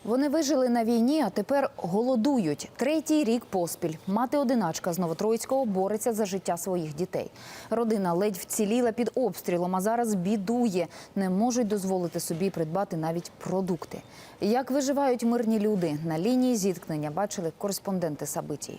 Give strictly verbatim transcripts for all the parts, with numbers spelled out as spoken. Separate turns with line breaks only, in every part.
Вони вижили на війні, а тепер голодують. Третій рік поспіль. Мати-одиначка з Новотроїцького бореться за життя своїх дітей. Родина ледь вціліла під обстрілом, а зараз бідує. Не можуть дозволити собі придбати навіть продукти. Як виживають мирні люди? На лінії зіткнення бачили кореспонденти Сабитій.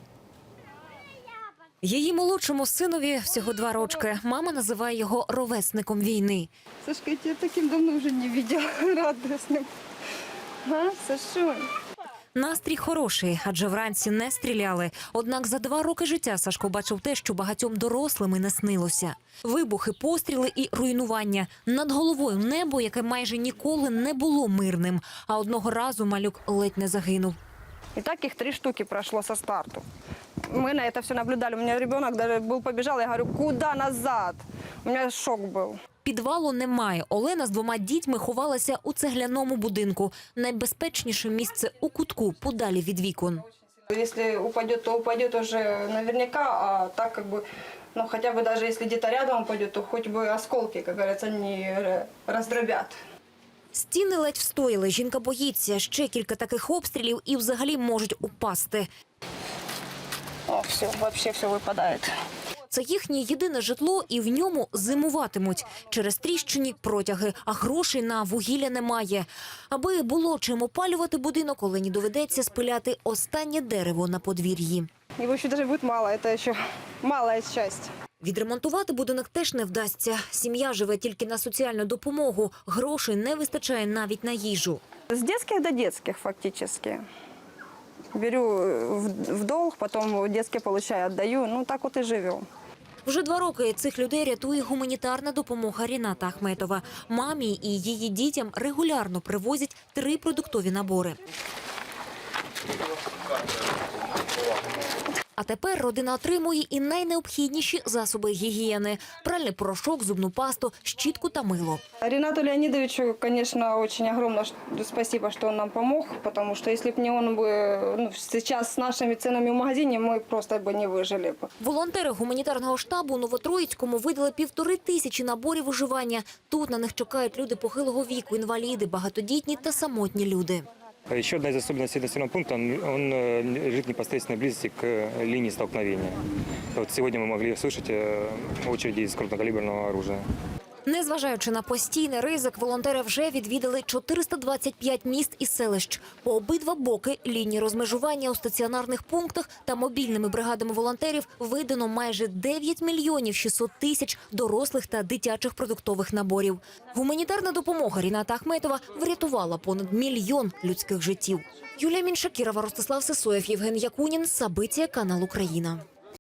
Її молодшому синові всього два рочки. Мама називає його ровесником війни.
Сашка, я тебя таким давно вже не бачила, радісним. А, Сашунь?
Настрій хороший, адже вранці не стріляли. Однак за два роки життя Сашко бачив те, що багатьом дорослим і не снилося. Вибухи, постріли і руйнування. Над головою небо, яке майже ніколи не було мирним. А одного разу малюк ледь не загинув.
И так их три штуки прошло со старту. Мы на это все наблюдали. У меня ребенок даже был, побежал, я говорю, куда назад? У меня шок был.
Підвалу немає. Олена з двома дітьми ховалася у цегляному будинку. Найбезпечніше місце у кутку, подалі від вікон.
Если упадет, то упадет уже наверняка, а так как бы, ну хотя бы даже если где-то рядом упадет, то хоть бы осколки, как говорится, не раздробят.
Стіни ледь встояли. Жінка боїться. Ще кілька таких обстрілів і взагалі можуть упасти.
О, все, вообще все выпадает.
Це їхнє єдине житло і в ньому зимуватимуть. Через тріщині протяги, а грошей на вугілля немає. Аби було чим опалювати будинок, Олені доведеться спиляти останнє дерево на подвір'ї.
Его еще даже будет мало, это еще малая часть.
Відремонтувати будинок теж не вдасться. Сім'я живе тільки на соціальну допомогу. Грошей не вистачає навіть на їжу.
С детских до детских фактически. Беру в долг, потом детские получаю, отдаю. Ну так вот и живем.
Вже два роки цих людей рятує гуманітарна допомога Ріната Ахметова. Мамі і її дітям регулярно привозять три продуктові набори. А тепер родина отримує і найнеобхідніші засоби гігієни – пральний порошок, зубну пасту, щітку та мило.
Ринату Леонидовичу, конечно, очень огромное спасибо, что он нам помог, потому что если бы не он, бы, ну, сейчас с нашими ценами в магазине мы просто бы не выжили.
Волонтери гуманітарного штабу у Новотроїцькому видали півтори тисячі наборів виживання. Тут на них чекають люди похилого віку, інваліди, багатодітні та самотні люди.
Еще одна из особенностей населенного пункта, он, он лежит в непосредственной близости к линии столкновения. Вот сегодня мы могли услышать очереди из крупнокалиберного оружия.
Незважаючи на постійний ризик, волонтери вже відвідали чотириста двадцять п'ять міст і селищ. По обидва боки лінії розмежування у стаціонарних пунктах та мобільними бригадами волонтерів видано майже дев'ять мільйонів шістсот тисяч дорослих та дитячих продуктових наборів. Гуманітарна допомога Ріната Ахметова врятувала понад мільйон людських життів. Юлія Міншакірова, Ростислав Сисоєв, Євген Якунін, Сабитія, канал Україна.